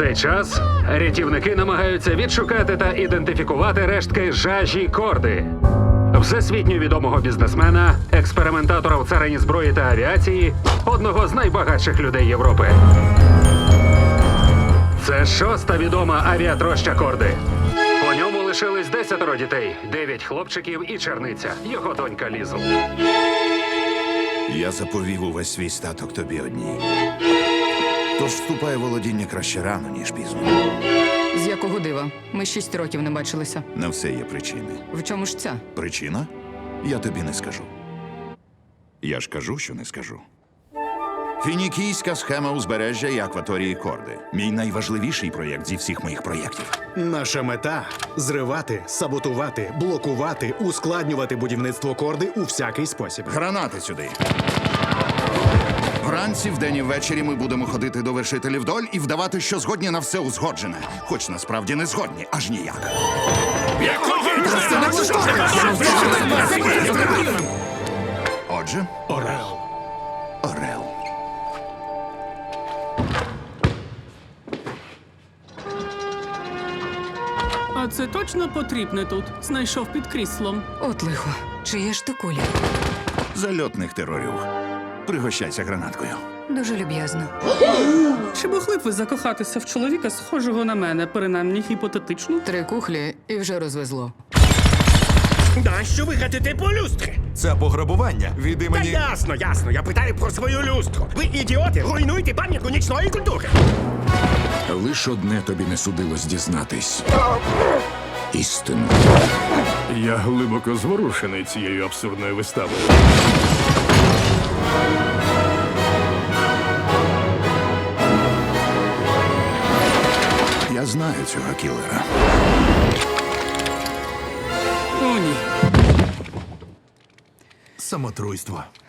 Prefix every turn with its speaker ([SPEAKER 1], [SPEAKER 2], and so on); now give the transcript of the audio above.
[SPEAKER 1] цей час рятівники намагаються відшукати та ідентифікувати рештки Жажі Корди, всесвітньо відомого бізнесмена, експериментатора в царині зброї та авіації, одного з найбагатших людей Європи. Це шоста відома авіатроща Корди. По ньому лишились 10 дітей, 9 хлопчиків і черниця, його донька Лізл.
[SPEAKER 2] Я заповів увесь свій статок тобі одній. Тож вступай у володіння краще рано, ніж пізно.
[SPEAKER 3] З якого дива? Ми 6 років не бачилися.
[SPEAKER 2] На все є причини.
[SPEAKER 3] В чому ж ця?
[SPEAKER 2] Причина? Я тобі не скажу. Я ж кажу, що не скажу. Фінікійська схема узбережжя і акваторії Корди. Мій найважливіший проєкт зі всіх моїх проєктів.
[SPEAKER 4] Наша мета – зривати, саботувати, блокувати, ускладнювати будівництво Корди у всякий спосіб.
[SPEAKER 2] Гранати сюди. Вранці, вдень і ввечері ми будемо ходити до вершителів доль і вдавати, що згодні на все узгоджене. Хоч насправді не згодні, аж ніяк. Отже,
[SPEAKER 4] Орел.
[SPEAKER 2] Орел.
[SPEAKER 5] А це точно потрібне тут? Знайшов під кріслом.
[SPEAKER 3] От лихо. Чиє ж то кулі?
[SPEAKER 2] Зальотних терорів. Пригощайся гранаткою.
[SPEAKER 3] Дуже люб'язно.
[SPEAKER 5] Чи могли б ви закохатися в чоловіка, схожого на мене, принаймні гіпотетично?
[SPEAKER 3] 3 кухлі і вже розвезло.
[SPEAKER 6] Нащо ви гатите по люстрі?
[SPEAKER 7] Це пограбування від
[SPEAKER 6] Та
[SPEAKER 7] імені...
[SPEAKER 6] ясно. Я питаю про свою люстру. Ви ідіоти, руйнуєте пам'ятку нічної культури.
[SPEAKER 8] Лиш одне тобі не судилось дізнатись. Істину.
[SPEAKER 9] Я глибоко зворушений цією абсурдною виставою.
[SPEAKER 2] Я знаю цього кілера.
[SPEAKER 5] О, ні.
[SPEAKER 7] Самотруйство.